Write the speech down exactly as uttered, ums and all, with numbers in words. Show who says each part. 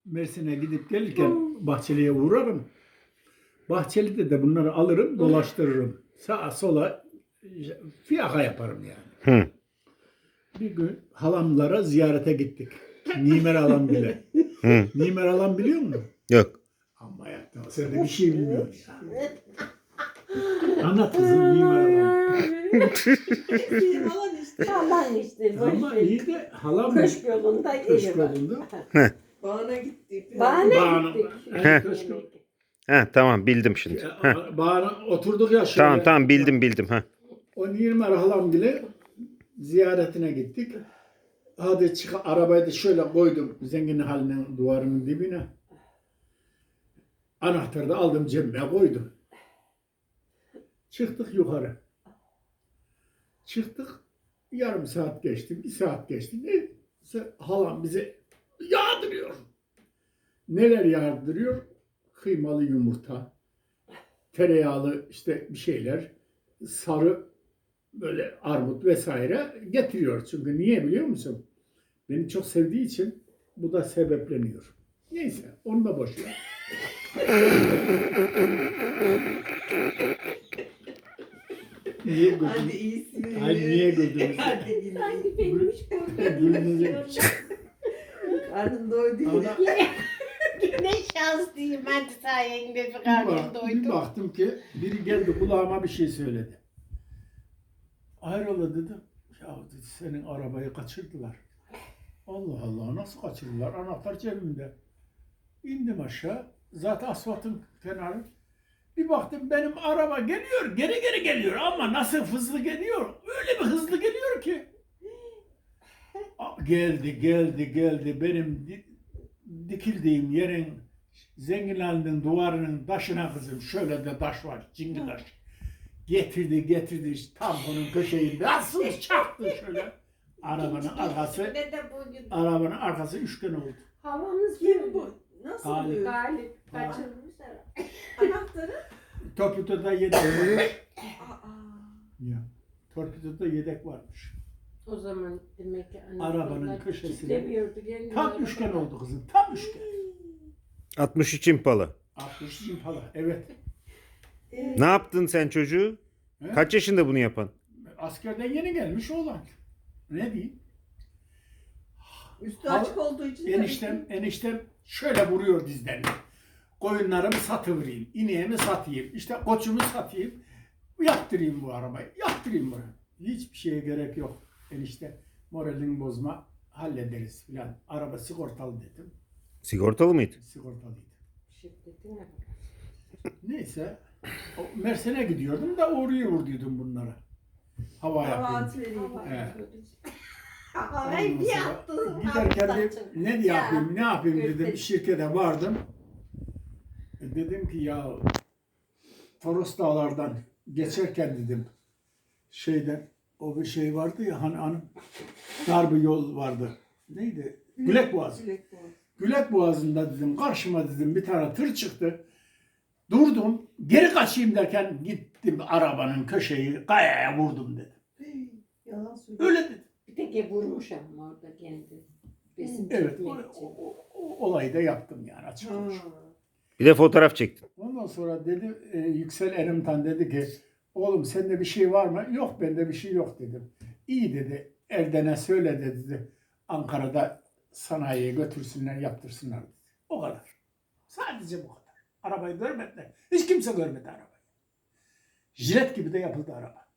Speaker 1: Mersin'e gidip gelirken Bahçeli'ye uğrarım. Bahçeli'de de bunları alırım, dolaştırırım. Sağa sola fiyaka yaparım yani.
Speaker 2: Hı.
Speaker 1: Bir gün halamlara ziyarete gittik. Nimer halam bile.
Speaker 2: Hı.
Speaker 1: Nimer halam biliyor musun?
Speaker 2: Yok.
Speaker 1: Amma yaptın. Sen de bir şey bilmiyorsun ya. Anlat kızım Nimer halam.
Speaker 3: Bizim alan işte.
Speaker 4: Aman işte. boş
Speaker 1: Ama
Speaker 4: ver.
Speaker 1: iyi de halam
Speaker 4: Köşk yolunda
Speaker 1: köşk
Speaker 4: evi var.
Speaker 1: yolunda.
Speaker 3: Bağına gittik.
Speaker 4: Bahane
Speaker 1: Bağına-
Speaker 4: gittik.
Speaker 1: Evet, köşk yolu.
Speaker 2: He, tamam bildim şimdi. Heh.
Speaker 1: Bağına oturduk ya şöyle.
Speaker 2: Tamam tamam bildim bildim. Ha.
Speaker 1: O Nimer halam bile ziyaretine gittik. Hadi çık arabayı da şöyle koydum zengin halinin duvarının dibine. Anahtarı da aldım cebime koydum. Çıktık yukarı. Çıktık. Yarım saat geçti, bir saat geçti. Neyse halam bize yağdırıyor. Neler yağdırıyor? Kıymalı yumurta, tereyağlı işte bir şeyler, sarı böyle armut vesaire getiriyor. Çünkü niye biliyor musun? Beni çok sevdiği için bu da sebepleniyor. Neyse onu da boş ver. Niye
Speaker 3: Hadi
Speaker 1: güldün?
Speaker 3: iyisin.
Speaker 1: Ay niye güldünüz?
Speaker 3: Hadi gülün.
Speaker 4: Sanki benimmiş
Speaker 1: Gülünecek.
Speaker 3: Karnım doydu.
Speaker 1: Ana-
Speaker 4: Ne şanslıyım ben de sayende bir
Speaker 1: Bir,
Speaker 4: karnım
Speaker 1: bak- bir
Speaker 4: doydu.
Speaker 1: baktım ki biri geldi kulağıma bir şey söyledi. Hayrola dedim. Ya dedi, senin arabayı kaçırdılar. Allah Allah nasıl kaçırdılar? Anahtar cebimde. İndim aşağı. Zaten asfaltın kenarı. Bir baktım benim araba geliyor. Geri geri geliyor ama nasıl hızlı geliyor? Öyle bir hızlı geliyor ki. A- Geldi geldi geldi. Benim di- dikildiğim yerin zengin halinin duvarının taşına kızım. Şöyle de taş var. Cingi taş. Getirdi getirdi tamponun köşeyi nasıl çaktı şöyle. Arabanın arkası
Speaker 4: Ne de bugün
Speaker 1: arabanın arkası üçgen oldu.
Speaker 4: havamız
Speaker 3: Kim bu? Nasıl
Speaker 1: Galip.
Speaker 3: bu?
Speaker 4: Galip kaçırmış herhalde.
Speaker 3: Anahtarı?
Speaker 1: Torpidoda yedek varmış.
Speaker 3: Aa.
Speaker 1: Ya. Torpidoda yedek varmış.
Speaker 4: O zaman demek ki anne
Speaker 1: Arabanın
Speaker 4: babalar
Speaker 1: köşesine.
Speaker 4: kitlemiyordu kendini.
Speaker 1: Tam üçgen oldu kızım. Tam üçgen.
Speaker 2: altmış üç impalı.
Speaker 1: altmış impala. Evet.
Speaker 3: Ee,
Speaker 2: Ne yaptın sen çocuğu?
Speaker 1: He?
Speaker 2: Kaç yaşında bunu yapan?
Speaker 1: Askerden yeni gelmiş oğlan. Ne diyeyim?
Speaker 3: Üstü
Speaker 1: Al-
Speaker 3: açık olduğu için.
Speaker 1: Eniştem, eniştem şöyle vuruyor dizlerini. Koyunlarımı satıvereyim, ineğimi satayım, işte koçumu satayım, yaptırayım bu arabayı, yaptırayım bunu. Hiçbir şeye gerek yok. Enişte moralini bozma, hallederiz filan. Araba sigortalı dedim.
Speaker 2: Sigortalı mıydı?
Speaker 1: Sigortalıydı.
Speaker 4: Şirketin ne?
Speaker 1: Neyse, o Mersin'e gidiyordum da oraya vurduydum bunlara. Hava
Speaker 3: Hava
Speaker 1: yapayım.
Speaker 3: atvereyim.
Speaker 1: Evet.
Speaker 4: Ay
Speaker 1: Ondan
Speaker 4: bir
Speaker 1: sonra
Speaker 4: yaptın.
Speaker 1: Giderken de ne yapayım, ne yapayım dedim.
Speaker 4: Gördüm.
Speaker 1: Şirkete vardım. E, Dedim ki ya Toros Dağlar'dan geçerken dedim şeyden o bir şey vardı ya hani, hani dar bir yol vardı. Neydi? Gülek Boğazı.
Speaker 3: Gülek Boğazı.
Speaker 1: Gülek Boğazı'nda dedim karşıma dedim bir tane tır çıktı. Durdum. Geri kaçayım derken gittim arabanın köşeyi kayaya vurdum dedim.
Speaker 3: Hey, yalan söylüyor.
Speaker 1: Öyle dedim.
Speaker 4: Bir tek vurmuş ama orada kendi. Besin
Speaker 1: Evet.
Speaker 4: çekmek
Speaker 1: O,
Speaker 4: için.
Speaker 1: o, o olayı da yaptım yani açık
Speaker 3: Ha.
Speaker 1: konuşayım.
Speaker 2: Bir de fotoğraf çektin.
Speaker 1: Ondan sonra dedi e, Yüksel Erimtan dedi ki oğlum sende bir şey var mı? Yok bende bir şey yok dedim. İyi dedi. Erden'e söyle dedi. Ankara'da sanayiye götürsünler yaptırsınlar dedi. O kadar. Sadece bu kadar. Arabayı görmediler. Hiç kimse görmedi arabayı. Jilet gibi de yapıldı araba.